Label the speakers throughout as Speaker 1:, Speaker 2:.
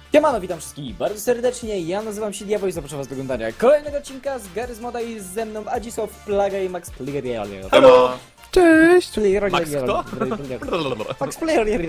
Speaker 1: Siemano, witam wszystkich bardzo serdecznie, ja nazywam się Diabeł i zapraszam was do oglądania kolejnego odcinka z Garry's Moda i ze mną Adzisław, Plaga i Max Player.
Speaker 2: Halo!
Speaker 3: Cześć!
Speaker 2: Max kto?
Speaker 1: Max Player.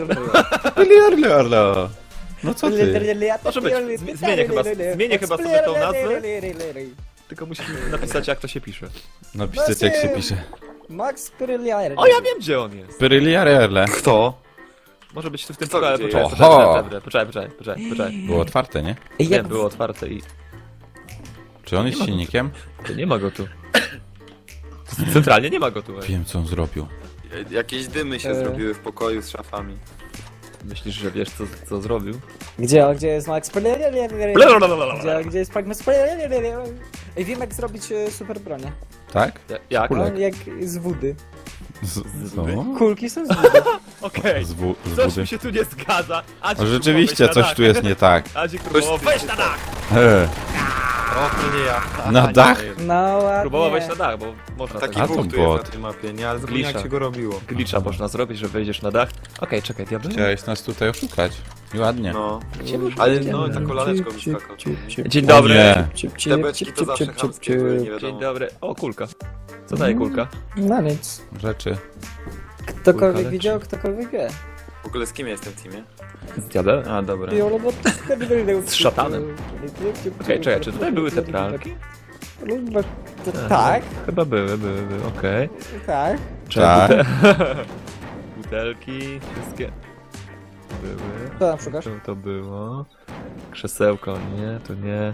Speaker 3: No co ty?
Speaker 2: Może być. Zmienię chyba sobie tą nazwę. Tylko musisz napisać, jak to się pisze.
Speaker 3: Napisać jak się pisze.
Speaker 1: Max Player.
Speaker 2: O, ja wiem, gdzie on jest.
Speaker 3: Pyryliarele.
Speaker 2: Kto? Może być tu w tym
Speaker 4: Kto
Speaker 2: pokoju.
Speaker 4: gdzie jest?
Speaker 2: Poczekaj.
Speaker 3: Było otwarte, nie?
Speaker 1: Ej,
Speaker 2: Nie,
Speaker 1: jak
Speaker 2: było otwarte i...
Speaker 3: Czy on jest silnikiem?
Speaker 2: To nie ma go tu. Centralnie nie ma go tu.
Speaker 3: Wiem co on zrobił.
Speaker 4: Jakieś dymy się zrobiły w pokoju z szafami.
Speaker 2: Myślisz, że wiesz, co zrobił?
Speaker 1: Gdzie jest Max Player? Gdzie jest Max Player? Ej, wiem jak zrobić super bronię.
Speaker 3: Tak?
Speaker 2: Jak?
Speaker 3: Kulek.
Speaker 1: Jak z wody.
Speaker 3: Co?
Speaker 1: Kulki są z wody.
Speaker 2: Okej.
Speaker 3: Z
Speaker 2: Coś
Speaker 3: budy.
Speaker 2: mi się tu nie zgadza.
Speaker 3: O, rzeczywiście coś tu jest nie tak.
Speaker 2: Adzik próbował wejść na dach!
Speaker 4: O, to nie ja.
Speaker 3: Na dach?
Speaker 1: No ładnie.
Speaker 2: Próbował wejść na dach, bo można
Speaker 4: Taki
Speaker 2: tak.
Speaker 3: A to
Speaker 4: bóg tu jest
Speaker 3: bot.
Speaker 4: na tej mapie, nie? Ale zapomniałem
Speaker 2: Glitcha.
Speaker 4: jak się go robiło.
Speaker 2: Glitcha można zrobić, że wejdziesz na dach. Okej, czekaj, diabeł.
Speaker 3: Chciałeś nas tutaj oszukać. I ładnie.
Speaker 4: No. Ale no, ta kolaneczką mi skakał.
Speaker 2: Dzień
Speaker 3: O
Speaker 2: dobry.
Speaker 3: nie.
Speaker 4: Te beczki to zawsze chamskie były, nie
Speaker 2: Dzień
Speaker 4: wiadomo.
Speaker 2: dobry. O, kulka. Co daje kulka?
Speaker 1: No nic.
Speaker 3: Rzeczy.
Speaker 1: Ktokolwiek
Speaker 2: Kulka
Speaker 1: widział, ktokolwiek wie.
Speaker 4: W ogóle z kim jestem w teamie?
Speaker 2: Z diabeł?
Speaker 4: A, dobra.
Speaker 2: Z szatanem. Okej, czekaj, czy tutaj były te pralki?
Speaker 1: Tak,
Speaker 2: Chyba były, okej.
Speaker 1: tak.
Speaker 3: Tak.
Speaker 2: Butelki, wszystkie były.
Speaker 1: Co tam szukasz?
Speaker 2: Czym to było? Krzesełko, nie, to nie.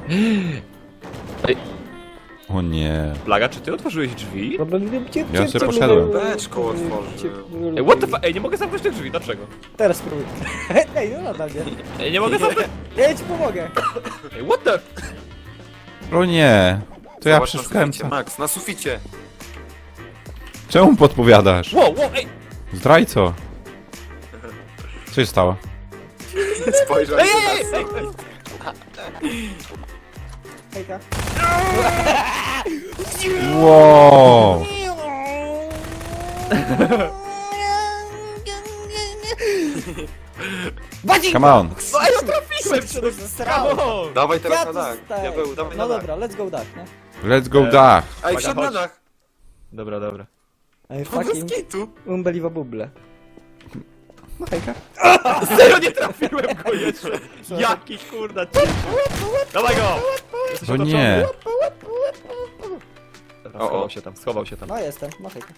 Speaker 3: O nie.
Speaker 2: Plaga, czy ty otworzyłeś drzwi?
Speaker 3: Ja sobie poszedłem.
Speaker 4: Beczką otworzyłem.
Speaker 2: Ej, what the fuck? Ej, nie mogę zamknąć tych drzwi, dlaczego?
Speaker 1: Teraz spróbuj. Ej, no nadal nie.
Speaker 2: Ej, nie mogę zamknąć.
Speaker 1: Ja ci pomogę.
Speaker 2: Ej, what the...
Speaker 3: O nie. To ja
Speaker 4: Zobacz na
Speaker 3: przeszukałem
Speaker 4: suficie,
Speaker 3: sam.
Speaker 4: Max, na suficie!
Speaker 3: Czemu podpowiadasz?
Speaker 2: Wow, ej!
Speaker 3: Zdrajco. Co się stało?
Speaker 4: Spojrzał
Speaker 2: Ej,
Speaker 4: się
Speaker 2: ej,
Speaker 4: na
Speaker 2: ej!
Speaker 1: Hejka.
Speaker 3: Wow.
Speaker 1: Badzi!
Speaker 3: Come on.
Speaker 2: No, ej, no trafiłem przed
Speaker 1: Zesrałem.
Speaker 2: Come on!
Speaker 4: Dawaj teraz
Speaker 1: Ja
Speaker 4: na
Speaker 1: tu
Speaker 4: dach.
Speaker 1: staję.
Speaker 4: Diabeł, dawaj
Speaker 1: No
Speaker 4: na dach.
Speaker 1: dobra, let's go dach, nie?
Speaker 3: Let's go dach.
Speaker 4: Ej,
Speaker 2: Uwaga,
Speaker 4: wszedł na
Speaker 2: chodź.
Speaker 4: dach!
Speaker 2: Dobra, dobra.
Speaker 1: Ej,
Speaker 4: O, bez
Speaker 1: fucking
Speaker 4: kitu!
Speaker 1: unbelievable. No hejka.
Speaker 2: Serio nie trafiłem go jeszcze! Jaki kurda cięcie! Dawaj go! Jesteś
Speaker 3: O
Speaker 2: otoczony.
Speaker 3: nie.
Speaker 2: Dobra,
Speaker 4: O, o.
Speaker 2: schował się tam.
Speaker 1: No jestem, no hejka.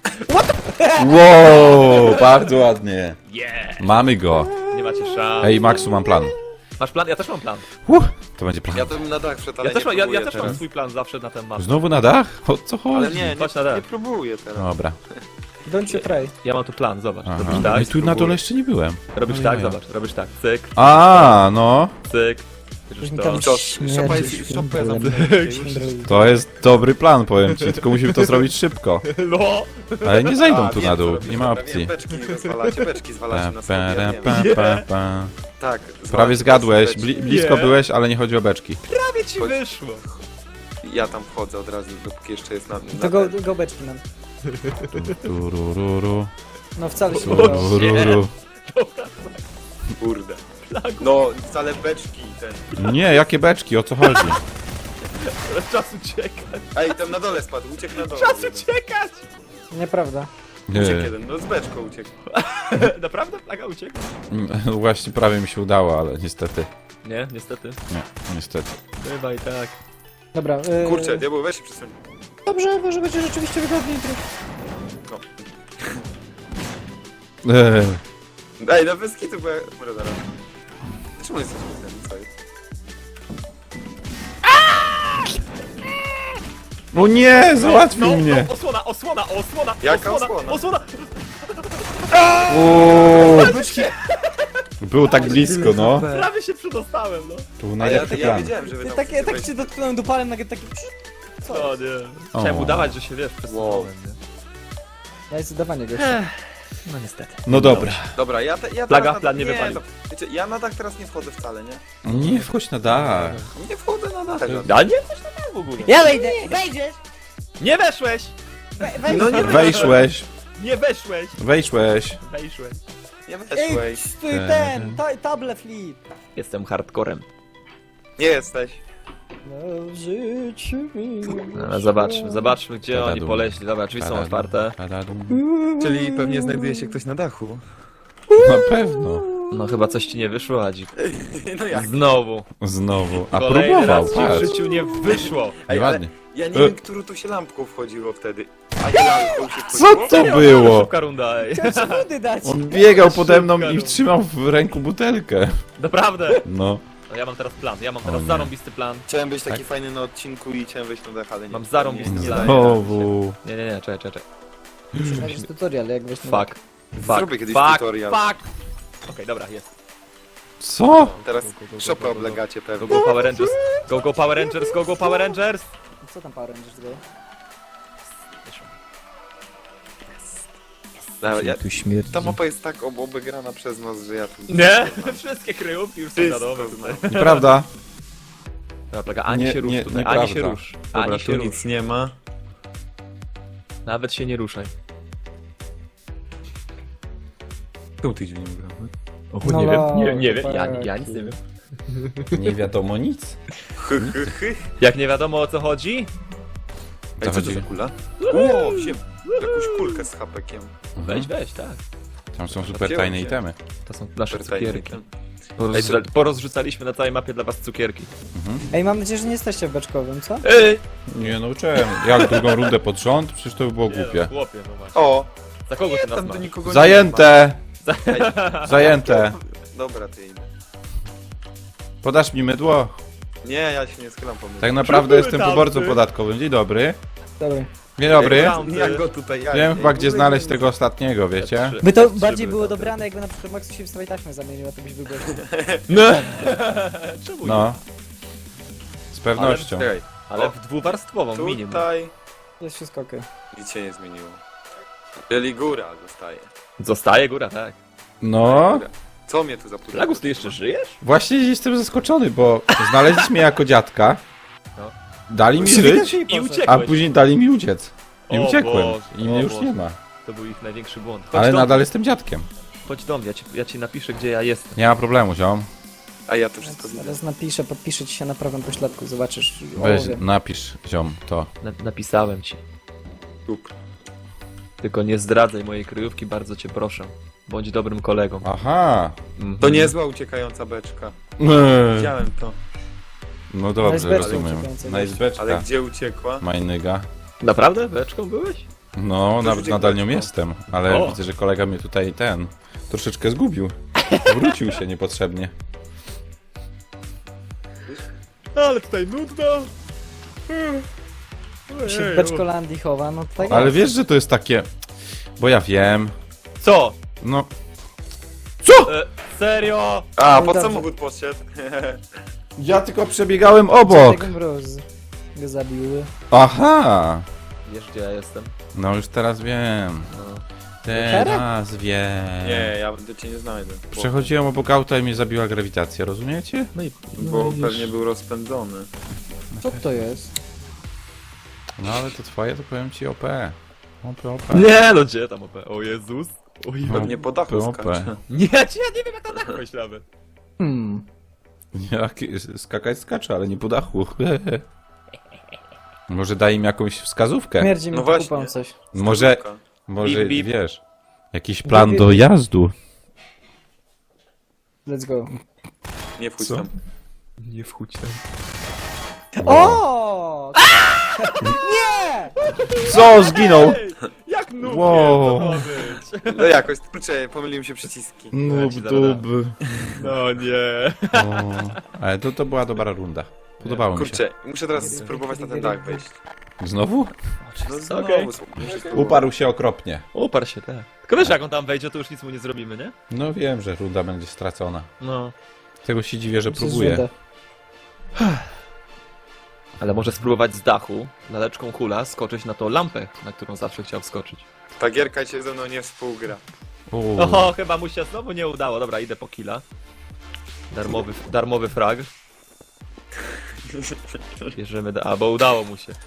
Speaker 3: Wow, bardzo ładnie.
Speaker 2: Yeah!
Speaker 3: Mamy go.
Speaker 2: Nie macie szans.
Speaker 3: Ej, Maxu, mam plan.
Speaker 2: Masz plan? Ja też mam plan.
Speaker 3: To będzie plan.
Speaker 4: Ja to bym na dach wszedł, ale
Speaker 2: Ja też,
Speaker 4: nie
Speaker 2: ja
Speaker 4: próbuję
Speaker 2: też mam
Speaker 4: teraz.
Speaker 2: swój plan zawsze na ten map.
Speaker 3: Znowu na dach? O co
Speaker 4: Ale
Speaker 3: chodzi?
Speaker 4: nie,
Speaker 2: Chodź na dach.
Speaker 4: nie próbuję teraz.
Speaker 3: Dobra.
Speaker 1: Don't you try.
Speaker 2: Ja mam tu plan, zobacz.
Speaker 3: Aha.
Speaker 2: Robisz tak,
Speaker 3: I tu na dole jeszcze nie byłem.
Speaker 2: robisz
Speaker 3: Ojej.
Speaker 2: tak, zobacz. Robisz tak, cyk,
Speaker 3: A, no.
Speaker 2: cyk. Bierzesz to.
Speaker 4: Co? Szopa jest zamknięta.
Speaker 3: To jest dobry plan, powiem ci. Tylko musimy to zrobić szybko.
Speaker 2: No!
Speaker 3: Ale nie zajdą
Speaker 4: A,
Speaker 3: tu
Speaker 4: wiem,
Speaker 3: na
Speaker 4: co
Speaker 3: dół.
Speaker 4: robisz.
Speaker 3: Nie ma
Speaker 4: Dobra,
Speaker 3: opcji.
Speaker 4: wiem, beczki zwalacie na
Speaker 3: Pa,
Speaker 4: sobie, ja
Speaker 3: pa,
Speaker 4: wiem.
Speaker 3: pa, pa, pa.
Speaker 4: Tak.
Speaker 3: Prawie
Speaker 4: zwalacie
Speaker 3: zgadłeś.
Speaker 4: beczki.
Speaker 3: Blisko
Speaker 2: Nie.
Speaker 3: byłeś, ale nie chodzi o beczki.
Speaker 2: Prawie ci
Speaker 4: Chodź.
Speaker 2: wyszło.
Speaker 4: Ja tam wchodzę od razu, dopóki jeszcze jest na
Speaker 1: To go beczki nam.
Speaker 3: Turururu,
Speaker 1: No wcale się nie udało.
Speaker 3: turururu.
Speaker 4: Kurde. No, wcale beczki ten.
Speaker 3: Nie, jakie beczki? O co chodzi?
Speaker 2: Ale czas uciekać.
Speaker 4: Ej, tam na dole spadł, uciekł na dole.
Speaker 2: Czas uciekać!
Speaker 1: Nieprawda.
Speaker 4: Uciekł
Speaker 3: Nie.
Speaker 4: jeden, no z beczką uciekł.
Speaker 2: Naprawdę plaga uciekł?
Speaker 3: Właśnie prawie mi się udało, ale niestety.
Speaker 2: Nie, niestety.
Speaker 3: Nie, niestety.
Speaker 2: Chyba i tak.
Speaker 1: Dobra.
Speaker 4: Kurczę, diabeł, weź się przesuń.
Speaker 1: Dobrze, może będzie rzeczywiście wygodniej.
Speaker 4: No.
Speaker 3: Eee.
Speaker 4: Ej, no bez kitu, bo ja... Może zaraz. Czemu jesteś ten, co jest?
Speaker 3: O nie, załatwił mnie.
Speaker 2: No, osłona!
Speaker 4: Jaka osłona?
Speaker 2: Osłona!
Speaker 3: Uuu. Było tak blisko, no.
Speaker 2: Prawie się przedostałem, no.
Speaker 3: To był
Speaker 4: A
Speaker 3: najlepszy
Speaker 4: ja
Speaker 3: plan.
Speaker 4: wiedziałem, że wy tam
Speaker 1: Tak
Speaker 4: chcecie
Speaker 1: tak
Speaker 4: wejść.
Speaker 1: się dotknąłem dupalem, nagle taki...
Speaker 2: O nie.
Speaker 3: O.
Speaker 2: Chciałem udawać, że się wiesz, przesunąłem, nie?
Speaker 1: Ja jest udawanie gościa.
Speaker 2: No niestety.
Speaker 3: No dobra.
Speaker 4: Dobra, ja
Speaker 2: Plaga,
Speaker 4: teraz
Speaker 2: plan nie wypalił.
Speaker 4: no, wiecie, ja na dach teraz nie wchodzę wcale, nie?
Speaker 3: Nie wchodź na dach.
Speaker 4: Nie wchodzę na dach.
Speaker 2: Ja nie coś tam w ogóle.
Speaker 1: Ja wejdę! Wejdziesz!
Speaker 2: Nie weszłeś!
Speaker 4: No nie
Speaker 3: Wejszłeś.
Speaker 2: Nie weszłeś!
Speaker 3: Wejszłeś.
Speaker 2: Wejszłeś.
Speaker 4: nie
Speaker 1: Ej,
Speaker 4: weszłeś.
Speaker 1: stój table flip.
Speaker 2: Jestem hardcorem.
Speaker 4: Nie jesteś.
Speaker 1: No, w życiu mi
Speaker 2: No, zobaczmy gdzie oni poleśli. Dobra, drzwi są otwarte.
Speaker 4: Czyli pewnie znajduje się ktoś na dachu.
Speaker 3: Na pewno.
Speaker 2: No chyba coś ci nie wyszło, Adzik.
Speaker 4: No jak?
Speaker 2: Znowu.
Speaker 3: Znowu. A
Speaker 2: Kolejny
Speaker 3: próbował,
Speaker 2: raz ci w
Speaker 3: patrz.
Speaker 2: życiu nie wyszło.
Speaker 4: Ej,
Speaker 3: Ładnie.
Speaker 4: ja nie wiem, którą tu się lampką wchodziło wtedy. A nie lampką się
Speaker 3: Co
Speaker 4: wchodziło?
Speaker 3: to było?
Speaker 2: Szybka runda, ej.
Speaker 1: Chciałem ci wody dać.
Speaker 3: On biegał pode mną i trzymał w ręku butelkę.
Speaker 2: Naprawdę.
Speaker 3: No.
Speaker 2: No ja mam teraz plan,
Speaker 3: O nie.
Speaker 2: zarąbisty plan.
Speaker 4: Chciałem być taki fajny na odcinku i chciałem wejść na dach, ale nie.
Speaker 2: Mam zarąbisty
Speaker 4: nie, nie
Speaker 2: plan.
Speaker 4: daje.
Speaker 3: Znowu.
Speaker 2: Nie, czekaj.
Speaker 1: Znajdziesz tutorial, jak weź na...
Speaker 2: Fuck.
Speaker 4: Zrobię kiedyś tutorial.
Speaker 2: Fuck. Okej, dobra, jest.
Speaker 3: Co?
Speaker 4: Teraz
Speaker 2: Go, go, go,
Speaker 4: szopę
Speaker 2: go, go, go.
Speaker 4: oblegacie
Speaker 2: Go,
Speaker 4: pewnie.
Speaker 2: go Power Rangers. Go Power Rangers, go Power Rangers.
Speaker 1: Co tam Power Rangers było?
Speaker 4: Tu
Speaker 1: śmierci.
Speaker 4: ta mapa jest tak obegrana przez nas, że ja tu...
Speaker 2: Nie? Wszystkie kryjówki już są wiadome tutaj.
Speaker 3: Nieprawda.
Speaker 2: Dobra, plaga, ani
Speaker 3: Nie,
Speaker 2: się rusz
Speaker 3: nie,
Speaker 2: tutaj,
Speaker 3: nieprawda.
Speaker 2: ani się rusz.
Speaker 4: Dobra,
Speaker 2: Ani
Speaker 4: tu
Speaker 2: się rusz.
Speaker 4: nic nie ma.
Speaker 2: Nawet się nie ruszaj.
Speaker 4: Tu ty dźwięk grał.
Speaker 1: No,
Speaker 2: nie wiem, ja
Speaker 1: chłopaki.
Speaker 2: nic nie wiem.
Speaker 3: Nie wiadomo nic.
Speaker 2: Jak nie wiadomo o co chodzi?
Speaker 4: Ej, co to
Speaker 3: chodzi?
Speaker 4: za kula? O, wziąłem jakąś kulkę z hapekiem.
Speaker 2: Weź, tak.
Speaker 3: Tam są super tajne itemy.
Speaker 2: To są nasze
Speaker 4: Super tajny
Speaker 2: cukierki.
Speaker 4: item.
Speaker 2: Porozrzucaliśmy na całej mapie dla was cukierki.
Speaker 1: Ej, mam nadzieję, że nie jesteście w beczkowym, co?
Speaker 2: Ej!
Speaker 3: Nie nauczyłem. Jak drugą rundę pod rząd? Przecież to by było głupie.
Speaker 2: Chłopie, no właśnie.
Speaker 4: O!
Speaker 2: Za kogo ty nas
Speaker 4: Tam do
Speaker 2: masz?
Speaker 4: nikogo
Speaker 3: Zajęte!
Speaker 4: nie ma. Ej,
Speaker 3: Zajęte.
Speaker 4: dobra, ty idę.
Speaker 3: Podasz mi mydło?
Speaker 4: Nie, ja się nie schylam pomysłu.
Speaker 3: Tak naprawdę
Speaker 2: Siódmy
Speaker 3: jestem
Speaker 2: tamty.
Speaker 3: poborcą podatkowym. Dzień dobry.
Speaker 1: Dobry.
Speaker 3: Dzień dobry.
Speaker 2: Tam.
Speaker 4: Jak go tutaj... Ja,
Speaker 3: Wiem
Speaker 4: nie,
Speaker 3: chyba gdzie
Speaker 4: w ogóle
Speaker 3: znaleźć
Speaker 4: nie-
Speaker 3: tego ostatniego, wiecie?
Speaker 1: By to
Speaker 2: Trzy
Speaker 1: bardziej
Speaker 2: były
Speaker 1: było
Speaker 2: tam.
Speaker 1: dobrane, jakby na przykład Maxu się w swojej taśmę zamienił, a to byś wybrał.
Speaker 2: No! Czemu nie?
Speaker 3: No. Z pewnością.
Speaker 4: Czekaj,
Speaker 2: Ale w dwuwarstwową minimum.
Speaker 4: tutaj
Speaker 1: Jest wszystko okej.
Speaker 4: nic się nie zmieniło. Czyli góra zostaje.
Speaker 2: Zostaje góra, tak.
Speaker 3: No.
Speaker 4: Góra. Co mnie tu zapudło?
Speaker 2: Lagus, ty jeszcze żyjesz?
Speaker 3: Właśnie jestem zaskoczony, bo znaleźliśmy mnie jako dziadka.
Speaker 2: No.
Speaker 3: Dali mi żyć,
Speaker 2: I uciekłeś.
Speaker 3: a później dali mi uciec. I
Speaker 2: O
Speaker 3: uciekłem.
Speaker 2: Boże,
Speaker 3: I mnie
Speaker 2: o
Speaker 3: już
Speaker 2: Boże.
Speaker 3: nie ma.
Speaker 2: To był ich największy błąd.
Speaker 3: Ale
Speaker 2: do
Speaker 3: nadal
Speaker 2: mnie,
Speaker 3: jestem dziadkiem.
Speaker 2: chodź do mnie, ja ci napiszę gdzie ja jestem.
Speaker 3: Nie ma problemu, ziom.
Speaker 4: A ja to wszystko widzę.
Speaker 1: Zaraz napiszę, podpiszę ci się na prawym pośladku, zobaczysz.
Speaker 3: Weź,
Speaker 1: O, wiem.
Speaker 3: napisz, ziom, to.
Speaker 2: Napisałem ci.
Speaker 4: Super.
Speaker 2: Tylko nie zdradzaj mojej kryjówki, bardzo cię proszę. Bądź dobrym kolegą.
Speaker 3: Aha.
Speaker 2: Mhm.
Speaker 4: To niezła uciekająca beczka. Widziałem to.
Speaker 3: No dobrze,
Speaker 1: Najzbeczka
Speaker 3: rozumiem.
Speaker 1: uciekająca,
Speaker 4: Ale
Speaker 3: Najzbeczka.
Speaker 4: gdzie uciekła?
Speaker 3: Majnyga.
Speaker 2: Naprawdę? Beczką byłeś?
Speaker 3: No, nawet
Speaker 4: uciekł
Speaker 3: nadal nią
Speaker 4: beczką.
Speaker 3: jestem, ale
Speaker 2: O.
Speaker 3: widzę, że kolega mnie tutaj troszeczkę zgubił. Wrócił się niepotrzebnie.
Speaker 2: Ale tutaj nudno.
Speaker 1: Się w Beczkolandii chowa, no tak
Speaker 3: Ale
Speaker 1: jest.
Speaker 3: wiesz, że to jest takie... Bo ja wiem.
Speaker 2: Co?
Speaker 3: No,
Speaker 2: Serio?
Speaker 4: A,
Speaker 1: No
Speaker 4: pod
Speaker 1: dobrze.
Speaker 4: samochód poszedł.
Speaker 3: ja tylko przebiegałem obok.
Speaker 1: Tego mróz go zabiły.
Speaker 3: Aha.
Speaker 2: Wiesz gdzie ja jestem?
Speaker 3: No już teraz wiem.
Speaker 2: No.
Speaker 3: Teraz wiem.
Speaker 4: Nie, ja do cię nie znajdę.
Speaker 3: Przechodziłem obok auta i mnie zabiła grawitacja, rozumiecie?
Speaker 2: No i...
Speaker 4: Bo
Speaker 1: No,
Speaker 4: pewnie był rozpędzony.
Speaker 1: Co to jest?
Speaker 3: No ale to twoje, to powiem ci OP. OP.
Speaker 2: Nie no gdzie tam OP? O Jezus. O Jezus.
Speaker 4: Pewnie po dachu
Speaker 3: OP.
Speaker 2: Ja
Speaker 4: skacze.
Speaker 2: nie wiem jak na dach wejść nawet.
Speaker 3: Jak skakać skacze, ale nie po dachu. Może daj im jakąś wskazówkę.
Speaker 1: Śmierdzi mi
Speaker 4: No
Speaker 1: no
Speaker 4: właśnie.
Speaker 1: kupą coś.
Speaker 3: Może,
Speaker 4: Skórka.
Speaker 3: może
Speaker 2: Bip, bip.
Speaker 3: wiesz, jakiś plan dojazdu.
Speaker 1: Let's go.
Speaker 4: Nie wchodź
Speaker 3: Co?
Speaker 4: tam.
Speaker 2: Nie wchódź tam.
Speaker 1: O! Nie!
Speaker 3: Co? Zginął!
Speaker 2: Jak nubie
Speaker 3: Wow.
Speaker 2: to ma być?
Speaker 4: No jakoś, kurczę, pomyliłem się przyciski.
Speaker 3: Nub
Speaker 2: ci
Speaker 3: dub.
Speaker 2: No nie.
Speaker 3: O, ale to była dobra runda. Podobało mi się.
Speaker 4: Kurczę, muszę teraz spróbować na ten dach wejść.
Speaker 3: Znowu?
Speaker 4: No znowu,
Speaker 2: Okej.
Speaker 4: muszę spróbować.
Speaker 3: Uparł się okropnie.
Speaker 2: Uparł się, tak. Tylko wiesz jak on tam wejdzie, to już nic mu nie zrobimy, nie?
Speaker 3: No wiem, że runda będzie stracona.
Speaker 2: No.
Speaker 3: Tego się dziwię, że
Speaker 1: To jest
Speaker 3: próbuje.
Speaker 1: żółte.
Speaker 2: Ale może spróbować z dachu, laleczką kula, skoczyć na tą lampę, na którą zawsze chciał wskoczyć.
Speaker 4: Ta gierka cię ze mną nie współgra.
Speaker 2: Oho, chyba mu się znowu nie udało. Dobra, idę po killa. Darmowy frag. Bierzemy a bo udało mu się.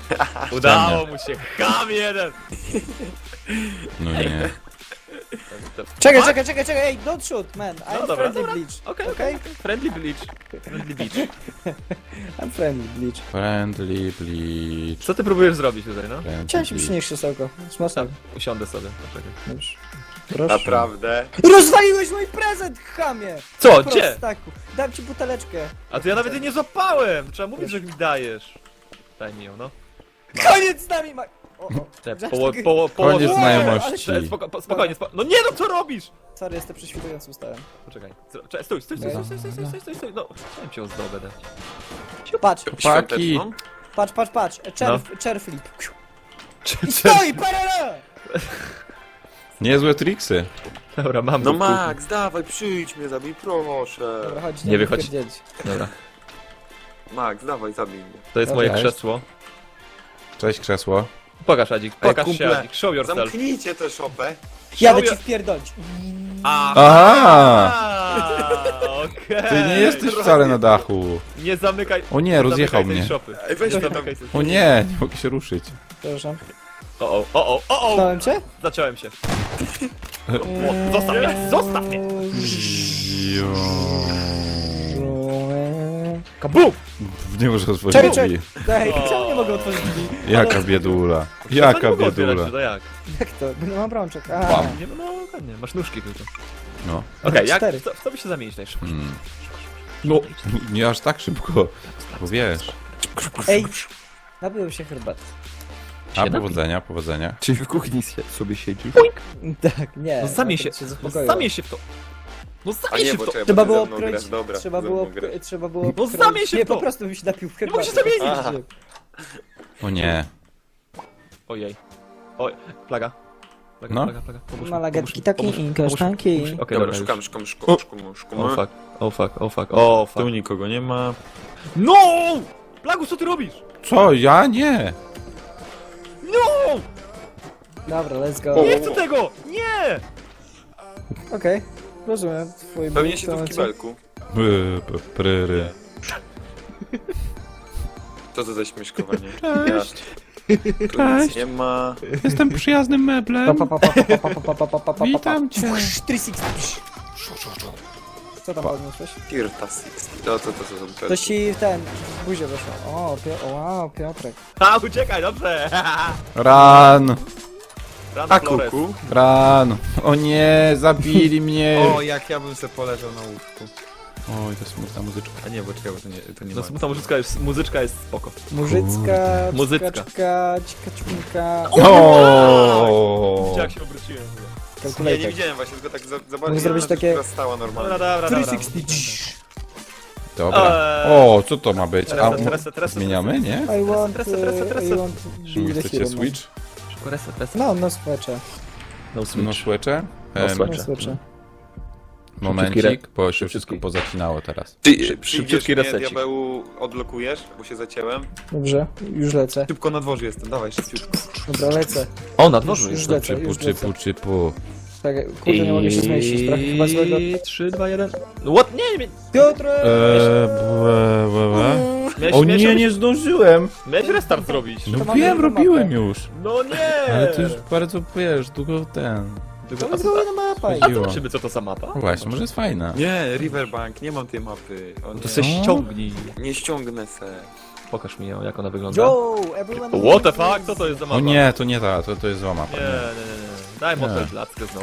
Speaker 2: Udało mu się. Ham jeden!
Speaker 3: No nie.
Speaker 1: Czekaj, ej, don't shoot, man.
Speaker 2: No
Speaker 1: I'm
Speaker 2: dobra,
Speaker 1: friendly
Speaker 2: dobra.
Speaker 1: Bleach.
Speaker 2: Okej. Friendly Bleach. Friendly Beach.
Speaker 1: I'm friendly Bleach.
Speaker 3: Friendly bleach.
Speaker 2: Co ty próbujesz zrobić tutaj, no?
Speaker 3: Friendly
Speaker 1: Chciałem się
Speaker 3: bleach.
Speaker 1: przynieść krzesełko. Smaczne.
Speaker 2: Tam, usiądę sobie. Poczekaj.
Speaker 1: Dobrze. Proszę.
Speaker 4: Naprawdę.
Speaker 1: Rozwaliłeś mój prezent, chamie!
Speaker 2: Co? Gdzie?
Speaker 1: Prostaku. Dam ci buteleczkę.
Speaker 2: A to ja nawet jej nie złapałem! Trzeba mówić, że mi dajesz. Daj mi ją, no.
Speaker 1: Koniec z nami, o.
Speaker 3: Koniec
Speaker 1: Nie,
Speaker 3: znajomości.
Speaker 2: Spokojnie, no nie no, co robisz?
Speaker 1: Sorry, jestem prześwitujący ustałem.
Speaker 2: Poczekaj, stój, stój, no. Chciałem cię ozdobę dać.
Speaker 1: Patrz,
Speaker 4: Świąteczną?
Speaker 1: patrz.
Speaker 2: No.
Speaker 1: Chair flip. I stoi, parala!
Speaker 3: Niezłe triksy.
Speaker 2: Dobra, mam
Speaker 4: No
Speaker 2: go,
Speaker 4: Max, dawaj, przyjdź mnie, zabij, proszę.
Speaker 1: Dobra, chodź,
Speaker 2: Nie wychodź.
Speaker 1: wypierdzielić.
Speaker 2: Dobra.
Speaker 4: Max, dawaj, zabij mnie.
Speaker 2: To jest
Speaker 1: Dobra,
Speaker 2: moje krzesło.
Speaker 3: Cześć krzesło.
Speaker 2: Pokaż, Adzik, pokaż się,
Speaker 4: kumple,
Speaker 2: Adzik, show yourself.
Speaker 4: Zamknijcie tę szopę.
Speaker 1: Jadę
Speaker 2: Show
Speaker 1: ci wpierdolić.
Speaker 3: Aha!
Speaker 2: Okej.
Speaker 3: Ty nie jesteś wcale na dachu.
Speaker 2: Nie zamykaj.
Speaker 3: O nie,
Speaker 2: nie
Speaker 3: rozjechał
Speaker 2: zamykaj tej
Speaker 3: mnie.
Speaker 2: szopy.
Speaker 4: Ej, weź to tam.
Speaker 2: Zamykaj tej-
Speaker 3: O nie, nie mogę się ruszyć.
Speaker 1: Przepraszam.
Speaker 2: O!
Speaker 1: Dałem cię?
Speaker 2: Zaciąłem się. Zostaw mnie! Kabum!
Speaker 3: Nie może otworzyć
Speaker 1: Czekaj,
Speaker 3: drzwi.
Speaker 1: Daj,
Speaker 2: O.
Speaker 1: czemu nie mogę otworzyć drzwi?
Speaker 3: Jaka biedula. Jaka
Speaker 2: Mogę otwierać,
Speaker 3: biedula.
Speaker 2: to jak?
Speaker 1: Jak to? Bo nie mam brączek. A.
Speaker 3: Bam.
Speaker 2: Nie, no ładnie, masz nóżki tylko.
Speaker 3: No.
Speaker 2: Okej, jak?
Speaker 1: Cztery.
Speaker 2: Co by się zamienić najszybciej?
Speaker 3: Mm. No, nie aż tak szybko. Bo wiesz.
Speaker 1: Ej, napiłem się herbaty.
Speaker 3: A powodzenia.
Speaker 4: Czyli w kuchni sobie siedzi.
Speaker 1: Tak, nie.
Speaker 2: No zamień się,
Speaker 1: akurat zaspokoiło.
Speaker 2: zamień się w to. No
Speaker 4: A
Speaker 2: zamień
Speaker 4: nie,
Speaker 2: się
Speaker 4: bo
Speaker 2: w to.
Speaker 4: trzeba
Speaker 1: Trzeba
Speaker 4: będzie
Speaker 1: było
Speaker 4: ze mną grać.
Speaker 1: kroić,
Speaker 4: Dobra,
Speaker 1: trzeba
Speaker 4: ze
Speaker 1: było,
Speaker 4: mną grać.
Speaker 1: trzeba było
Speaker 2: No
Speaker 1: kroić-
Speaker 2: zamień się w
Speaker 1: Nie,
Speaker 2: to.
Speaker 1: po prostu bym się napił w
Speaker 2: Nie mogę
Speaker 1: herbatę.
Speaker 2: się zamienić.
Speaker 4: Aha.
Speaker 3: O nie.
Speaker 2: Ojej. Oj, plaga.
Speaker 3: No.
Speaker 2: Plaga. Pomóż mi,
Speaker 1: Malagatki
Speaker 2: pomóż mi,
Speaker 1: takie i
Speaker 2: pomóż mi,
Speaker 1: kasztanki.
Speaker 2: pomóż mi. Okej,
Speaker 4: Dobra,
Speaker 2: dobra,
Speaker 4: szukam.
Speaker 2: O fuck.
Speaker 4: Tu nikogo nie ma.
Speaker 2: No! Plagu, co ty robisz?
Speaker 3: Co? Ja nie.
Speaker 2: No!
Speaker 1: Dobra, let's go.
Speaker 2: Nie chcę tego! Nie!
Speaker 1: Okej, rozumiem twój
Speaker 4: Pewnie
Speaker 1: ból
Speaker 4: się tu w
Speaker 1: momencie.
Speaker 4: kibelku.
Speaker 3: Pryry.
Speaker 4: Co to za śmieszkowanie?
Speaker 3: Cześć.
Speaker 4: Tu nic nie ma.
Speaker 3: Jestem przyjaznym meblem. Witam cię.
Speaker 1: 360. Co tam podniosłeś?
Speaker 4: Tirta 60. To są
Speaker 1: To ci ten, w buzię weszło. O, wow, Piotrek.
Speaker 2: A, uciekaj, dobrze!
Speaker 3: Run.
Speaker 2: Run,
Speaker 4: A
Speaker 2: Flores.
Speaker 4: kuku?
Speaker 3: Run. O nie, zabili mnie.
Speaker 4: O, jak ja bym se poleżał na łóżku.
Speaker 3: Oj, to smutna muzyczka.
Speaker 4: A nie, bo czekaj, bo to nie
Speaker 2: No
Speaker 4: ma.
Speaker 2: smutna muzyczka jest spoko.
Speaker 1: Murzycka,
Speaker 2: Muzycka.
Speaker 1: czka, ćka,
Speaker 3: O.
Speaker 2: Widzicie jak się obróciłem.
Speaker 4: Nie
Speaker 1: kalkulator.
Speaker 4: widziałem właśnie, tylko tak zobaczyłem.
Speaker 1: Mógł zrobić takie-
Speaker 4: Która stała normalnie.
Speaker 2: Dobra.
Speaker 1: 360.
Speaker 3: Dobra. O, co to ma być? A
Speaker 2: Reset.
Speaker 3: zmieniamy, nie?
Speaker 1: I want,
Speaker 2: Reset.
Speaker 1: I want
Speaker 3: Czy wy
Speaker 1: be the
Speaker 3: chcecie
Speaker 1: hero.
Speaker 3: switch?
Speaker 2: Reset.
Speaker 1: No, no swecze.
Speaker 2: No
Speaker 3: No swecze?
Speaker 2: No swecze.
Speaker 1: No swecze.
Speaker 3: Momencik, bo się wszystko pozacinało teraz.
Speaker 4: Ty
Speaker 2: Szybciutki
Speaker 4: szybciutki mnie,
Speaker 2: resecik.
Speaker 4: diabełu, odblokujesz, bo się zacięłem.
Speaker 1: Dobrze, już lecę.
Speaker 4: Szybko na dworze jestem, dawaj, szybciutko.
Speaker 1: Dobra, lecę.
Speaker 2: O, na dworzu
Speaker 1: Już
Speaker 2: jest.
Speaker 1: lecę,
Speaker 3: Czypu,
Speaker 1: już lecę.
Speaker 3: czypu.
Speaker 1: Tak, kurde, nie mogę się zmieścić. Trochę chyba złego.
Speaker 2: 3, 2, 1. What? Nie.
Speaker 1: Piotrek!
Speaker 3: O nie, nie zdążyłem!
Speaker 2: Miałeś restart zrobić.
Speaker 3: No
Speaker 1: To mamy
Speaker 3: wiem,
Speaker 1: mapę.
Speaker 3: robiłem już.
Speaker 2: No nie!
Speaker 3: Ale to już bardzo, wiesz, długo ten...
Speaker 1: To jest kolejna mapa.
Speaker 3: Chodzi-
Speaker 2: Zobaczymy co to za mapa.
Speaker 3: No właśnie, może jest fajna.
Speaker 4: Nie, Riverbank, nie mam tej mapy. O,
Speaker 2: To
Speaker 4: nie.
Speaker 2: se ściągnij.
Speaker 4: Nie ściągnę se.
Speaker 2: Pokaż mi ją, jak ona wygląda.
Speaker 1: Yo, everyone...
Speaker 2: What the fuck? Co to jest za mapa?
Speaker 3: O nie, to nie ta, to jest zła mapa.
Speaker 2: Nie. Daj
Speaker 3: Nie.
Speaker 2: motel blackę znowu.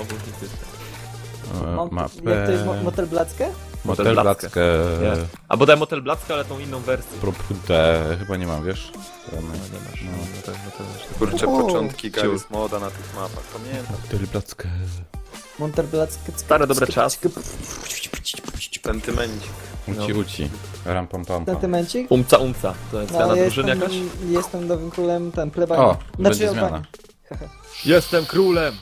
Speaker 1: Jak to jest motel blackę?
Speaker 3: Motel Blackę.
Speaker 2: Nie. Albo daj motel blackę, ale tą inną wersję.
Speaker 3: Propute, chyba nie mam, wiesz?
Speaker 2: No, nie masz. No, to też.
Speaker 4: Kurczę,
Speaker 1: O,
Speaker 4: początki Garry's Moda na tych mapach, pamiętam.
Speaker 3: Motel Blackę.
Speaker 1: Motel blackę.
Speaker 2: Stare dobre czasy.
Speaker 4: Sentymencik.
Speaker 3: Uci. Ram pam pam pam.
Speaker 1: Sentymencik?
Speaker 2: Umca. To jest
Speaker 1: No,
Speaker 2: zmiana
Speaker 1: ja
Speaker 2: drużyny jakaś?
Speaker 1: jestem nowym królem, ten, plebanii.
Speaker 3: O, będzie
Speaker 1: Albanii.
Speaker 3: zmiana.
Speaker 2: Jestem królem!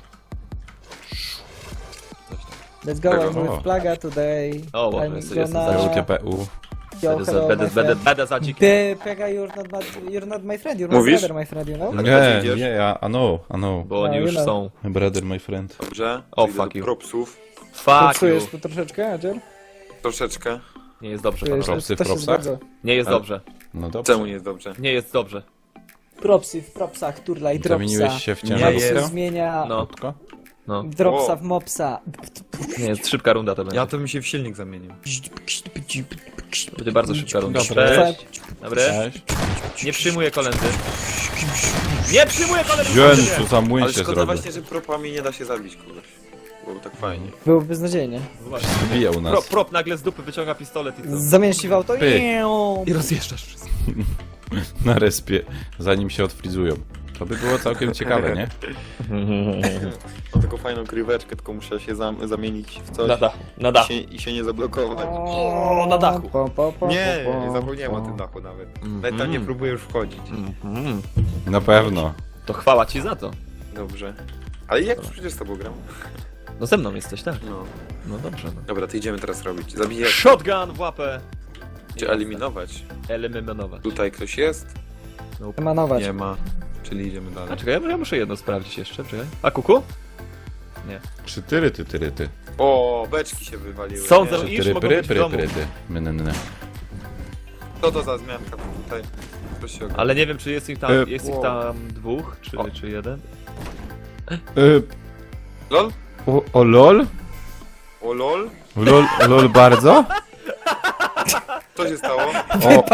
Speaker 1: Let's go,
Speaker 4: Tego.
Speaker 1: I'm with Plaga today.
Speaker 2: O, Boże,
Speaker 1: I'm
Speaker 2: jestem
Speaker 1: gonna-
Speaker 3: GPU.
Speaker 1: Yo, hello, my friend.
Speaker 2: Będę za dzikiem.
Speaker 1: Ty, Plaga, you're not my friend, you're my
Speaker 4: Mówisz?
Speaker 1: brother, my friend, you know?
Speaker 3: Nie,
Speaker 4: idziesz?
Speaker 3: nie, ja, I know.
Speaker 2: Bo oni
Speaker 1: No,
Speaker 2: już
Speaker 1: you know.
Speaker 2: są.
Speaker 3: My brother, my friend.
Speaker 4: Dobrze?
Speaker 2: O,
Speaker 4: Idę
Speaker 2: fuck
Speaker 4: do
Speaker 2: you.
Speaker 4: propsów.
Speaker 2: Fuck
Speaker 1: Czujesz
Speaker 2: you.
Speaker 1: tu troszeczkę, Adzior?
Speaker 4: Troszeczkę.
Speaker 2: Nie jest dobrze,
Speaker 1: Czujesz,
Speaker 2: panowie.
Speaker 3: Propsy w
Speaker 1: to się
Speaker 3: propsach?
Speaker 1: zgadza.
Speaker 2: Nie jest
Speaker 4: Ale-
Speaker 2: dobrze.
Speaker 3: No dobrze.
Speaker 4: Czemu nie jest dobrze?
Speaker 2: Nie jest dobrze.
Speaker 1: Propsy w propsach, turla i dropsa.
Speaker 3: Zamieniłeś się w
Speaker 2: Nie
Speaker 1: Jak
Speaker 3: ciężarówkę?
Speaker 1: się zmienia...
Speaker 2: No.
Speaker 3: Krótko?
Speaker 2: No.
Speaker 1: Dropsa w mopsa.
Speaker 2: Nie, jest szybka runda to będzie.
Speaker 4: Ja to mi się w silnik zamienił.
Speaker 2: To będzie bardzo szybka runda.
Speaker 3: Dobra.
Speaker 2: Cześć. Dobry. Nie przyjmuję kolendy. Nie przyjmuję kolendy!
Speaker 3: Wziąłem, co za młyn
Speaker 4: Ale
Speaker 3: się
Speaker 4: szkoda
Speaker 3: zrobił.
Speaker 4: właśnie, że propami nie da się zabić kogoś. Byłoby tak fajnie.
Speaker 1: Byłoby beznadziejnie.
Speaker 2: Właśnie.
Speaker 3: Wbija u nas.
Speaker 2: Prop nagle z dupy wyciąga pistolet i co?
Speaker 1: Zamienisz się w auto
Speaker 3: Pyk.
Speaker 2: I rozjeżdżasz wszystko.
Speaker 3: Na respie, zanim się odfrizują. To by było całkiem ciekawe, nie?
Speaker 4: Mam taką fajną kryweczkę, tylko muszę się zamienić w coś
Speaker 2: Na dachu. Na dachu.
Speaker 4: i się nie zablokować.
Speaker 2: O, na dachu.
Speaker 4: Nie, zapomniałem o tym dachu nawet. Nawet tam nie próbuję już wchodzić.
Speaker 3: Na pewno.
Speaker 2: To chwała ci za to.
Speaker 4: Dobrze. Ale jak przecież z tobą gram?
Speaker 2: No ze mną jesteś, tak?
Speaker 4: No.
Speaker 2: No dobrze. No.
Speaker 4: Dobra, to idziemy teraz robić. Zabijać
Speaker 2: Shotgun w łapę.
Speaker 4: czy eliminować.
Speaker 2: Eliminować.
Speaker 4: Tutaj ktoś jest?
Speaker 1: Emanować.
Speaker 4: Nie ma. Czyli idziemy
Speaker 2: A
Speaker 4: dalej.
Speaker 2: czekaj, ja muszę jedno sprawdzić jeszcze, czekaj. A kuku?
Speaker 3: Czy tyry.
Speaker 4: O, beczki się wywaliły.
Speaker 2: Są
Speaker 4: nie?
Speaker 2: ze-
Speaker 3: Czy
Speaker 2: Iż
Speaker 3: tyry,
Speaker 2: mogą
Speaker 3: pry,
Speaker 2: być w
Speaker 3: pry,
Speaker 2: domu.
Speaker 3: pry, ty. Mynny.
Speaker 4: Co to za zmianka tutaj? Ktoś się ogarnia.
Speaker 2: Ale nie wiem, czy jest ich tam, jest ich
Speaker 4: wow.
Speaker 2: tam dwóch,
Speaker 4: O.
Speaker 2: czy jeden.
Speaker 4: LOL?
Speaker 3: O lol?
Speaker 4: O LOL?
Speaker 3: Lol bardzo?
Speaker 4: Co się stało?
Speaker 3: O,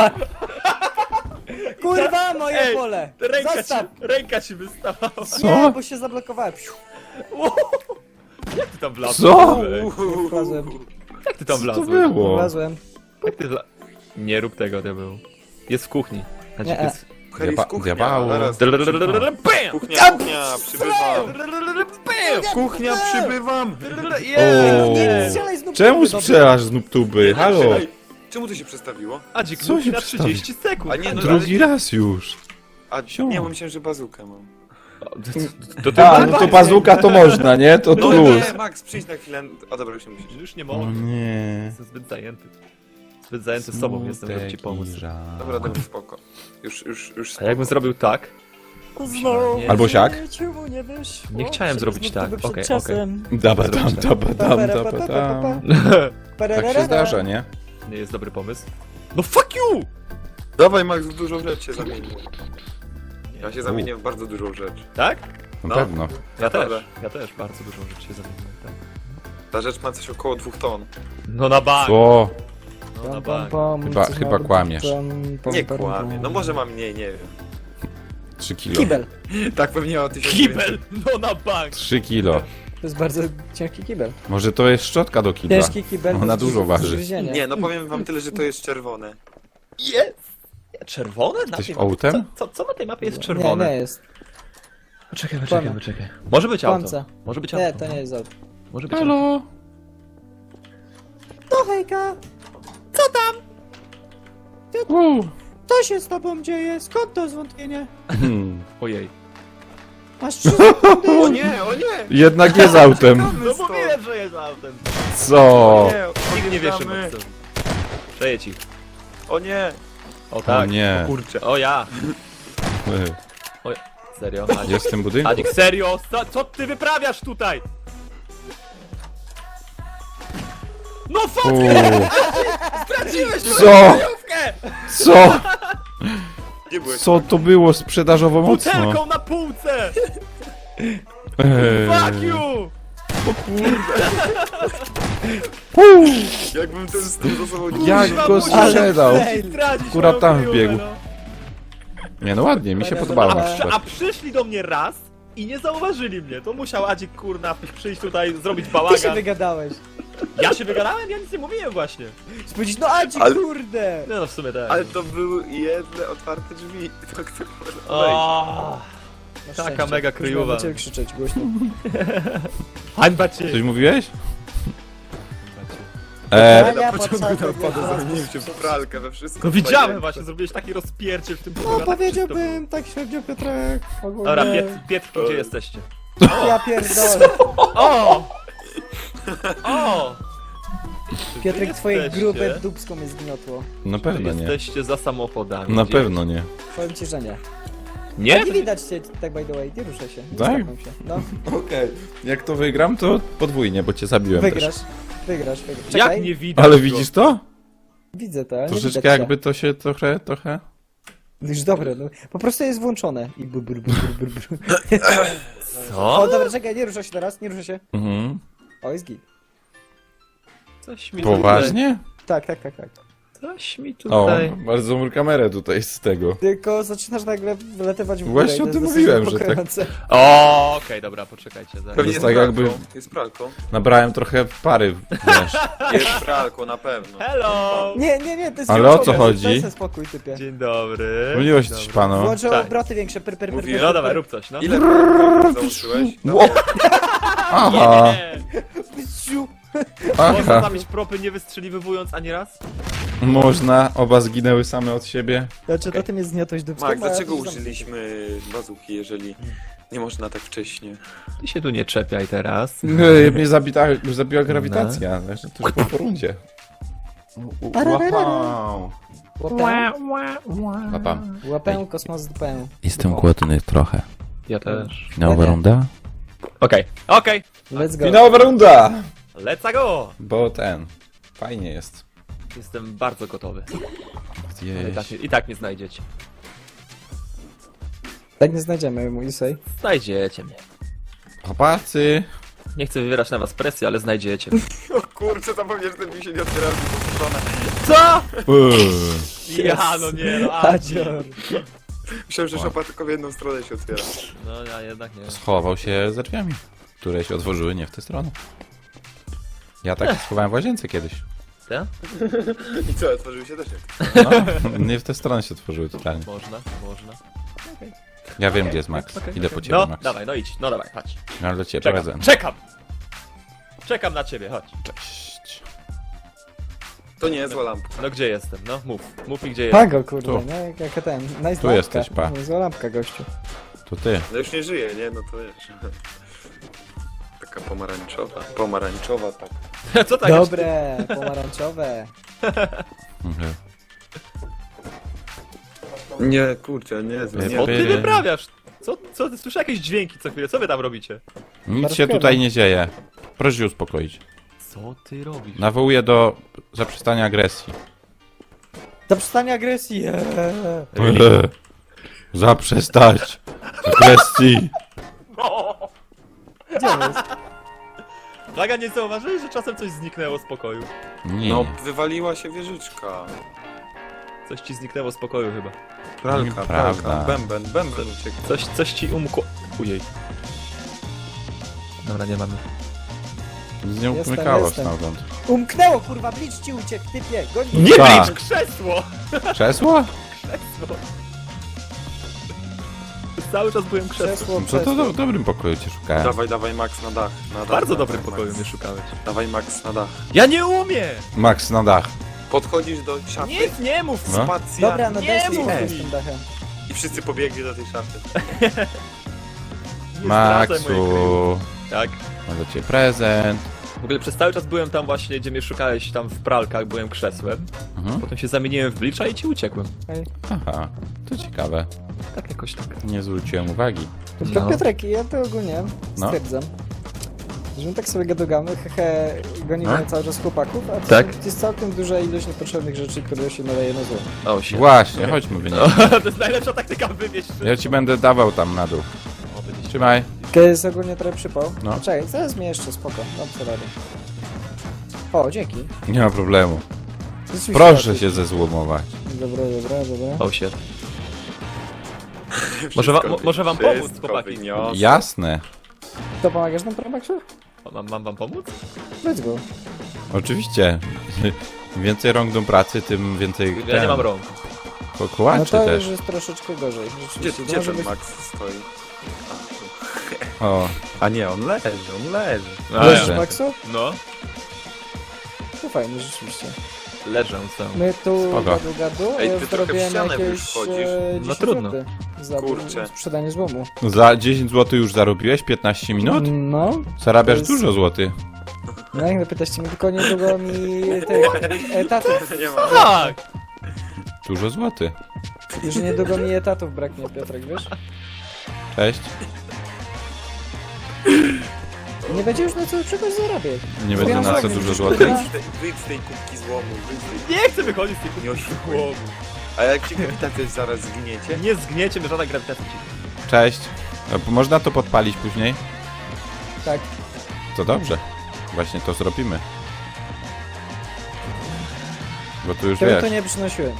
Speaker 1: Kurwa, moje
Speaker 2: Ej,
Speaker 1: pole! Zostaw!
Speaker 2: Ręka ci wystawała.
Speaker 1: Nie,
Speaker 3: co?
Speaker 1: bo się zablokowałem.
Speaker 2: Jak ty tam wlazłeś?
Speaker 3: Co?
Speaker 1: Wlazłem.
Speaker 2: Jak ty tam
Speaker 3: Co to
Speaker 2: wlazłeś?
Speaker 3: było?
Speaker 1: Wlazłem.
Speaker 2: Jak ty Nie rób tego, diabeł. Jest w kuchni. Znaczy,
Speaker 1: Nie,
Speaker 2: jest...
Speaker 4: Heli w kuchnia.
Speaker 3: diabało.
Speaker 4: Zaraz.
Speaker 2: Bam!
Speaker 4: Kuchnia, przybywam.
Speaker 2: Bam!
Speaker 4: Kuchnia, przybywam.
Speaker 3: O,
Speaker 1: Nie, strzelaj z nóg.
Speaker 3: czemu
Speaker 1: Dobra.
Speaker 3: strzelasz z nubtuby? Halo?
Speaker 4: Czekaj, czemu to się przestawiło?
Speaker 2: Adzik,
Speaker 3: Co się
Speaker 2: na 30 sekund.
Speaker 4: A nie, no,
Speaker 3: Drugi raz już.
Speaker 4: A nie, bo myślałem, że bazukę mam.
Speaker 2: To ty
Speaker 3: A, no to bazuka to można, nie? To
Speaker 4: No
Speaker 3: plus.
Speaker 4: nie, Max, przyjdź na chwilę. A dobra, już nie musisz.
Speaker 2: Już nie
Speaker 3: O
Speaker 2: mogę.
Speaker 3: nie.
Speaker 2: Jestem zbyt zajęty. Zbyt zajęty sobą jestem, żeby ci pomóc.
Speaker 4: Dobra, dobra, spoko. Już
Speaker 2: A
Speaker 4: spoko.
Speaker 2: jakbym zrobił tak?
Speaker 1: Znowu
Speaker 2: Nie.
Speaker 3: Albo siak?
Speaker 1: Czemu nie wyszło?
Speaker 2: Nie chciałem zrobić tak.
Speaker 1: Przed
Speaker 2: Okej,
Speaker 1: czasem.
Speaker 3: Dabadam. Tak się zdarza, nie?
Speaker 2: Nie jest dobry pomysł. No fuck you!
Speaker 4: Dawaj, Max, w dużą rzecz się zamienił. Ja się zamieniłem w bardzo dużą rzecz.
Speaker 2: Tak?
Speaker 3: Na
Speaker 4: No.
Speaker 3: pewno.
Speaker 2: Ja też.
Speaker 4: Dobra.
Speaker 2: Ja też bardzo dużą rzecz się zamieniłem. Tak.
Speaker 4: Ta rzecz ma coś około 2 ton.
Speaker 2: No na bank.
Speaker 3: Co?
Speaker 2: No na
Speaker 1: Pam,
Speaker 2: bank.
Speaker 1: pam,
Speaker 3: Chyba-
Speaker 1: coś
Speaker 3: chyba
Speaker 1: ma być
Speaker 3: kłamiesz.
Speaker 1: tam,
Speaker 4: Nie
Speaker 1: pam,
Speaker 4: kłamie.
Speaker 1: pam.
Speaker 4: No może ma mniej, nie wiem.
Speaker 3: 3 kilo.
Speaker 1: Kibel.
Speaker 4: Tak pewnie o 1000.
Speaker 2: Kibel! No na bank!
Speaker 3: 3 kilo.
Speaker 1: To jest bardzo ciężki kibel.
Speaker 3: Może to jest szczotka do kibla.
Speaker 1: Ciężki kibel.
Speaker 3: Ona
Speaker 1: do
Speaker 3: dużo waży.
Speaker 1: zgryzienia.
Speaker 4: Nie, no powiem wam tyle, że to jest czerwone.
Speaker 2: Jest! Czerwone? Na
Speaker 3: Jesteś
Speaker 2: tej mapie?
Speaker 3: autem?
Speaker 2: Co na tej mapie jest
Speaker 1: Nie,
Speaker 2: czerwone?
Speaker 1: nie jest.
Speaker 2: Poczekaj.
Speaker 1: Kłamie.
Speaker 2: Może być auto.
Speaker 1: Kłamca.
Speaker 2: Może być
Speaker 1: Nie,
Speaker 2: auto.
Speaker 1: to nie jest auto.
Speaker 2: Może być auto.
Speaker 3: Halo?
Speaker 1: To hejka! Co się z tobą dzieje? Skąd to zwątpienie?
Speaker 2: Ojej.
Speaker 1: Masz 3 sekundy.
Speaker 4: O nie, o nie!
Speaker 3: Jednak jest autem.
Speaker 2: No mówiłem, że jest autem.
Speaker 3: Co?
Speaker 2: Nikt nie wiesz,
Speaker 4: odjeżdżamy.
Speaker 2: Maxon. Przejedź ich.
Speaker 4: O nie!
Speaker 2: O tak.
Speaker 3: O nie.
Speaker 4: Kurczę.
Speaker 2: O ja. Serio? Adzik,
Speaker 3: Jest w tym budynku?
Speaker 2: Adzik, serio? Co ty wyprawiasz tutaj? No fuck!
Speaker 3: Uuu.
Speaker 2: Straciłeś
Speaker 3: Co?
Speaker 2: kryjówkę!
Speaker 3: Co?
Speaker 4: Gdzie byłeś?
Speaker 3: Co to było sprzedażowo mocno?
Speaker 2: Butelką na półce! Fuck you!
Speaker 4: Jakbym ten stół za sobą nie
Speaker 3: Jak
Speaker 4: używał.
Speaker 3: go sprzedał?
Speaker 2: Stracić
Speaker 3: Akurat
Speaker 2: moją
Speaker 3: tam
Speaker 2: kryjówkę,
Speaker 3: wbiegł.
Speaker 2: no.
Speaker 3: Nie no ładnie, mi się podobało na
Speaker 2: A
Speaker 3: przykład.
Speaker 2: przyszli do mnie raz i nie zauważyli mnie. To musiał Adzik kurna przyjść tutaj, zrobić
Speaker 1: Ty się
Speaker 2: bałagan.
Speaker 1: wygadałeś.
Speaker 2: Ja się wygadałem? Ja nic nie mówiłem właśnie.
Speaker 1: Spójrz, no Adzik,
Speaker 4: Ale-
Speaker 1: kurde!
Speaker 2: No w sumie tak.
Speaker 4: Ale to były jedne otwarte drzwi. To kto może wejść?
Speaker 2: O,
Speaker 1: Masz
Speaker 2: taka
Speaker 1: szczęście.
Speaker 2: mega
Speaker 1: Już
Speaker 2: kryjowa.
Speaker 1: miałem na ciebie krzyczeć głośno.
Speaker 2: hańba cię!
Speaker 3: Coś mówiłeś?
Speaker 1: Ja
Speaker 4: Na początku
Speaker 1: podsadzę,
Speaker 4: tam wpadł,
Speaker 1: ja
Speaker 4: zamieniłem się w pralkę we wszystko.
Speaker 2: No widziałem
Speaker 4: Fajnie.
Speaker 2: właśnie, zrobiłeś taki rozpierdziel w tym
Speaker 1: No
Speaker 2: programie.
Speaker 1: powiedziałbym tak średnio Piotrek. Ogólnie.
Speaker 2: Dobra, Pietrki, gdzie jesteście?
Speaker 1: Ja pierdolę.
Speaker 2: O! O! Czy wy
Speaker 1: Piotrek, twoje
Speaker 2: jesteście-
Speaker 1: grube dupsko mnie zgniotło.
Speaker 3: Na pewno nie.
Speaker 2: Jesteście za samochodami.
Speaker 3: Na
Speaker 2: Gdzie-
Speaker 3: pewno nie.
Speaker 1: Powiem ci, że nie.
Speaker 2: Nie?
Speaker 1: Nie widać cię, tak by the way, nie ruszaj się. Nie
Speaker 3: Tak?
Speaker 1: skapnął się. No,
Speaker 3: Okej. Jak to wygram, to podwójnie, bo cię zabiłem
Speaker 1: wygrasz.
Speaker 3: też.
Speaker 1: Wygrasz.
Speaker 2: Jak
Speaker 1: Czekaj,
Speaker 2: nie widać
Speaker 3: Ale
Speaker 2: go?
Speaker 3: widzisz to?
Speaker 1: widzę to, nie
Speaker 3: Troszeczkę
Speaker 1: widać
Speaker 3: jakby to się trochę...
Speaker 1: Już dobre, no. Po prostu jest włączone. I bur. O,
Speaker 2: Co?
Speaker 1: dobra, czekaj, nie rusza się teraz, nie rusza się.
Speaker 3: Mhm.
Speaker 1: O, jest git.
Speaker 2: Coś mi
Speaker 3: Poważnie?
Speaker 1: Tak.
Speaker 2: Tutaj, coś mi
Speaker 3: O,
Speaker 2: tutaj...
Speaker 3: bardzo dobrą kamerę tutaj z tego.
Speaker 1: Tylko zaczynasz nagle wlatywać w górę.
Speaker 3: Właśnie
Speaker 1: i to
Speaker 3: o
Speaker 1: jest
Speaker 3: tym
Speaker 1: dosyć
Speaker 3: mówiłem, że tak.
Speaker 1: niepokojące.
Speaker 2: O, okej, dobra, poczekajcie. Zaraz.
Speaker 4: Pewnie
Speaker 3: jest
Speaker 4: jest
Speaker 3: tak
Speaker 4: pralką.
Speaker 3: jakby-
Speaker 4: Jest pralką.
Speaker 3: Nabrałem trochę pary, wiesz.
Speaker 4: Jest pralką, na pewno.
Speaker 2: Hello!
Speaker 1: Nie, to jest
Speaker 3: Ale
Speaker 1: włączone,
Speaker 3: o co chodzi?
Speaker 1: Daj sobie spokój, typie.
Speaker 2: Dzień dobry.
Speaker 3: Pomyliłeś
Speaker 2: Dzień
Speaker 3: coś
Speaker 2: dobry.
Speaker 3: panu.
Speaker 1: Włączę
Speaker 2: Tak.
Speaker 1: obroty większe,
Speaker 4: Mówiłem.
Speaker 2: No dawaj, rób coś, no.
Speaker 4: Ile pralką załączyłeś?
Speaker 3: Ło- Aha,
Speaker 2: Nie!
Speaker 1: Ciu.
Speaker 2: Można
Speaker 3: aha.
Speaker 2: zamieć propy nie wystrzeliwując ani raz?
Speaker 3: Można, oba zginęły same od siebie.
Speaker 1: Znaczy, to ty mnie zgniotłeś dupską,
Speaker 4: Max,
Speaker 1: a ja
Speaker 4: dlaczego
Speaker 1: tu zamknę.
Speaker 4: użyliśmy bazuki, jeżeli nie można tak wcześnie?
Speaker 2: Ty się tu nie czepiaj teraz.
Speaker 3: Mnie zabiła grawitacja, znaczy to już po rundzie. Wow. Łapam.
Speaker 1: Łapę, kosmos dupę.
Speaker 3: Jestem głodny trochę.
Speaker 2: Ja też.
Speaker 3: Nowa runda?
Speaker 2: Okej.
Speaker 1: Let's go.
Speaker 3: Finałowa runda!
Speaker 2: Let's go!
Speaker 3: Bo fajnie jest.
Speaker 2: Jestem bardzo gotowy.
Speaker 3: Gdzieś.
Speaker 2: I tak nie znajdziecie.
Speaker 1: Tak nie znajdziemy, mój sej.
Speaker 2: Znajdziecie mnie.
Speaker 3: Chłopacy.
Speaker 2: Nie chcę wywierać na was presji, ale znajdziecie.
Speaker 4: O kurczę, zapomniałem, że ten mi się nie otwiera w drugą stronę.
Speaker 2: Co?
Speaker 3: Uuu.
Speaker 2: Ja, no nie, no.
Speaker 1: Hadzior.
Speaker 4: Myślałem, że szopa tylko w jedną stronę się otwiera.
Speaker 2: No ja jednak nie.
Speaker 3: Schował się za drzwiami, które się otworzyły nie w tę stronę. Ja tak się schowałem w łazience kiedyś.
Speaker 2: Ja?
Speaker 4: I co, otworzyły się też jak?
Speaker 3: No, nie w tę stronę się otworzyły totalnie.
Speaker 2: Można.
Speaker 3: Ja wiem, gdzie jest Max.
Speaker 2: Okej,
Speaker 3: Idę
Speaker 2: okej.
Speaker 3: po ciebie,
Speaker 2: No,
Speaker 3: Max.
Speaker 2: dawaj, no idź. No dawaj, chodź.
Speaker 3: Mam dla ciebie
Speaker 2: Czekam.
Speaker 3: prezent.
Speaker 2: Czekam! Czekam na ciebie, chodź.
Speaker 3: Cześć.
Speaker 4: To nie jest zła lampka.
Speaker 2: No gdzie jestem? No mów. Mów mi gdzie jestem.
Speaker 1: Pago, kurde,
Speaker 3: Tu.
Speaker 1: nie? Jak ten. Nice
Speaker 3: Tu
Speaker 1: lampka.
Speaker 3: jesteś, pa.
Speaker 1: Zła lampka, gościu.
Speaker 3: To ty.
Speaker 4: No już nie żyje, nie? No to wiesz. Taka pomarańczowa, tak.
Speaker 2: Co tak?
Speaker 1: Dobre, pomarańczowe.
Speaker 3: Mhm.
Speaker 4: Nie, kurczę, nie,
Speaker 3: Nie,
Speaker 2: O, ty
Speaker 3: By-
Speaker 2: wyprawiasz! Co? Słyszę jakieś dźwięki co chwilę. Co wy tam robicie?
Speaker 3: Nic się tutaj nie dzieje. Proszę się uspokoić.
Speaker 2: Co ty robisz?
Speaker 3: Nawołuję do zaprzestania agresji.
Speaker 1: Zaprzestanie agresji.
Speaker 3: Zaprzestać agresji.
Speaker 1: Gdzie on jest?
Speaker 2: Plaga, nie zauważyłeś, że czasem coś zniknęło z pokoju?
Speaker 3: Nie.
Speaker 4: No, wywaliła się wieżyczka.
Speaker 2: Coś ci zniknęło z pokoju chyba.
Speaker 4: Pralka,
Speaker 3: Nieprawda.
Speaker 4: pralka, bęben uciekł.
Speaker 2: Coś ci umkło... Ujej. Dobra, nie mamy.
Speaker 3: Z nią
Speaker 1: Jestem,
Speaker 3: umykało
Speaker 1: jestem.
Speaker 3: stamtąd.
Speaker 1: Umknęło, kurwa, blicz ci uciekł, typie. Goń mnie.
Speaker 2: Nie
Speaker 3: Tak.
Speaker 2: blicz krzesło!
Speaker 3: Krzesło?
Speaker 2: Krzesło! Cały czas byłem krzesłem.
Speaker 1: Krzesło,
Speaker 3: Co to
Speaker 1: krzesło.
Speaker 3: w dobrym pokoju cię szukałem.
Speaker 4: Dawaj, Max na dach. Na dach
Speaker 2: Bardzo
Speaker 4: dawaj,
Speaker 2: dobrym pokoju
Speaker 4: Max.
Speaker 2: mnie szukałeś.
Speaker 4: Dawaj, Max na dach.
Speaker 2: Ja nie umiem!
Speaker 3: Max na dach.
Speaker 4: Podchodzisz do szafy,
Speaker 2: Nie mów!
Speaker 3: No.
Speaker 4: spacja
Speaker 1: Dobra, no
Speaker 2: Nie
Speaker 1: daj sobie
Speaker 2: mów
Speaker 1: spokój
Speaker 2: mi.
Speaker 1: z tym dachem.
Speaker 4: i wszyscy pobiegli do tej szafy.
Speaker 2: Nie zdradzaj mojej
Speaker 3: Maxu.
Speaker 2: kryjówki. Tak.
Speaker 3: Mam dla ciebie prezent.
Speaker 2: W ogóle przez cały czas byłem tam właśnie, gdzie mnie szukałeś, tam w pralkach byłem krzesłem.
Speaker 3: Mhm.
Speaker 2: Potem się zamieniłem w blicza i ci uciekłem.
Speaker 1: Ej.
Speaker 3: Aha, to ciekawe.
Speaker 2: Tak jakoś tak.
Speaker 3: Nie zwróciłem uwagi.
Speaker 1: Tylko
Speaker 2: No.
Speaker 1: Piotrek, ja to ogólnie
Speaker 3: No.
Speaker 1: stwierdzam, że my tak sobie gadogamy, hehe, gonimy
Speaker 3: No.
Speaker 1: cały czas chłopaków, a to
Speaker 2: Tak.
Speaker 1: jest całkiem duża ilość niepotrzebnych rzeczy, które się nadaje na zło.
Speaker 2: O, się.
Speaker 3: Właśnie, chodźmy wynieść.
Speaker 2: To jest najlepsza taktyka wywieźć.
Speaker 3: Ja ci będę dawał tam na dół.
Speaker 2: O, widzicie.
Speaker 3: Trzymaj.
Speaker 1: To jest ogólnie trochę przypał.
Speaker 3: No.
Speaker 1: Czekaj, zaraz mnie jeszcze, spoko, dam co radę. O, dzięki.
Speaker 3: Nie ma problemu.
Speaker 1: Rzeczywiście
Speaker 3: Proszę
Speaker 1: lepiej.
Speaker 3: się zezłomować.
Speaker 1: Dobra.
Speaker 2: O, się. Może wam pomóc,
Speaker 4: Wszystko
Speaker 2: chłopaki?
Speaker 4: wyniosę.
Speaker 3: Jasne.
Speaker 1: To pomagasz nam, Promaxu?
Speaker 2: Mam wam pomóc?
Speaker 1: Let's go.
Speaker 3: Oczywiście. Im więcej rąk do pracy, tym więcej
Speaker 2: Ja nie mam rąk.
Speaker 1: No
Speaker 3: kołaczy
Speaker 1: to
Speaker 3: też.
Speaker 1: już jest troszeczkę gorzej.
Speaker 4: Gdzie,
Speaker 1: Rzeczywiście, to
Speaker 4: gdzie
Speaker 1: może
Speaker 4: ten
Speaker 1: być...
Speaker 4: Max stoi?
Speaker 3: O,
Speaker 4: A nie, on leży.
Speaker 1: Leżysz, Maxu?
Speaker 2: No,
Speaker 1: To fajnie, rzeczywiście.
Speaker 2: leżę sam.
Speaker 1: My tu
Speaker 3: Spoko.
Speaker 1: gadu, a
Speaker 4: Ej,
Speaker 1: ja
Speaker 4: ty trochę w
Speaker 1: zrobiłem
Speaker 4: ścianę
Speaker 1: jakieś
Speaker 4: już wchodzisz.
Speaker 1: 10
Speaker 2: trudno.
Speaker 1: zł za
Speaker 4: Kurczę.
Speaker 1: sprzedanie złomu.
Speaker 3: za 10 zł już zarobiłeś? 15 minut?
Speaker 1: No,
Speaker 3: Zarabiasz
Speaker 1: to jest-
Speaker 3: dużo złotych.
Speaker 1: no jak pytaście mnie, tylko niedługo mi tych etatów,
Speaker 4: Nie ma.
Speaker 2: Tak!
Speaker 3: Dużo złotych.
Speaker 1: już niedługo mi etatów braknie, Piotrek, wiesz?
Speaker 3: Cześć.
Speaker 1: Nie będzie już na co czegoś zarabiać.
Speaker 3: Nie będzie
Speaker 1: Ja
Speaker 3: na co
Speaker 1: tak,
Speaker 3: dużo
Speaker 1: już
Speaker 3: złotych.
Speaker 1: kurwa.
Speaker 4: Wyjdź z tej kubki złomu, wyjdź z tej...
Speaker 2: Nie chcę wychodzić z tej
Speaker 4: Nie
Speaker 2: kuchni
Speaker 4: oszukuj.
Speaker 2: głowy.
Speaker 4: A jak ci grawitacja zaraz zgniecie?
Speaker 2: Nie zgniecie, żadna grawitacja ci.
Speaker 3: Cześć. Można to podpalić później?
Speaker 1: Tak.
Speaker 3: To dobrze. Właśnie to zrobimy. Bo tu już
Speaker 1: Tego
Speaker 3: wiesz.
Speaker 1: to nie przynosiłem.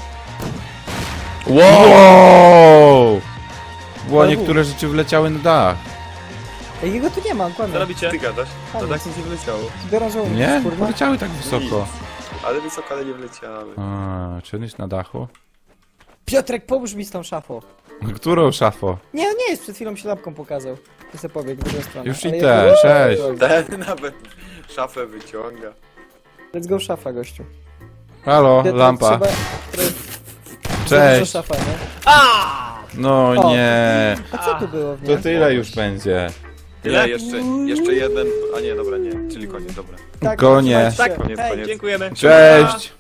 Speaker 3: Wow! Było niektóre rzeczy wleciały na dach.
Speaker 1: Jego tu nie ma, kłamie.
Speaker 2: Co robicie?
Speaker 4: Ty gadasz?
Speaker 1: A,
Speaker 4: No
Speaker 1: nic.
Speaker 4: tak nic nie wleciało.
Speaker 1: Biorą żołnierz,
Speaker 3: Nie?
Speaker 1: kurwa.
Speaker 3: Poleciały tak wysoko.
Speaker 4: Nic. Ale wysoko, ale nie wleciały.
Speaker 3: A, czy on jest na dachu?
Speaker 1: Piotrek, pomóż mi z tą szafą.
Speaker 3: Którą szafą?
Speaker 1: Nie, on nie jest, przed chwilą się lampką pokazał. Ty se pobiegł w drugą stronę.
Speaker 3: Już
Speaker 1: Ale
Speaker 3: idę,
Speaker 1: jest-
Speaker 3: cześć.
Speaker 4: Ten nawet szafę wyciąga.
Speaker 1: Let's go szafa, gościu.
Speaker 3: Halo,
Speaker 1: Piotrek,
Speaker 3: lampa.
Speaker 1: trzeba- to jest za
Speaker 3: Cześć.
Speaker 1: duża szafa, nie?
Speaker 3: No
Speaker 1: O.
Speaker 3: nie.
Speaker 1: A co tu było w
Speaker 3: To
Speaker 1: niej?
Speaker 3: tyle już będzie.
Speaker 4: Tyle, jeszcze jeden. A nie, dobra, nie. Czyli koniec, dobra.
Speaker 1: Tak,
Speaker 3: Konie.
Speaker 1: trzymajcie się.
Speaker 4: Koniec,
Speaker 1: Hej.
Speaker 4: koniec.
Speaker 2: Dziękujemy.
Speaker 3: Cześć.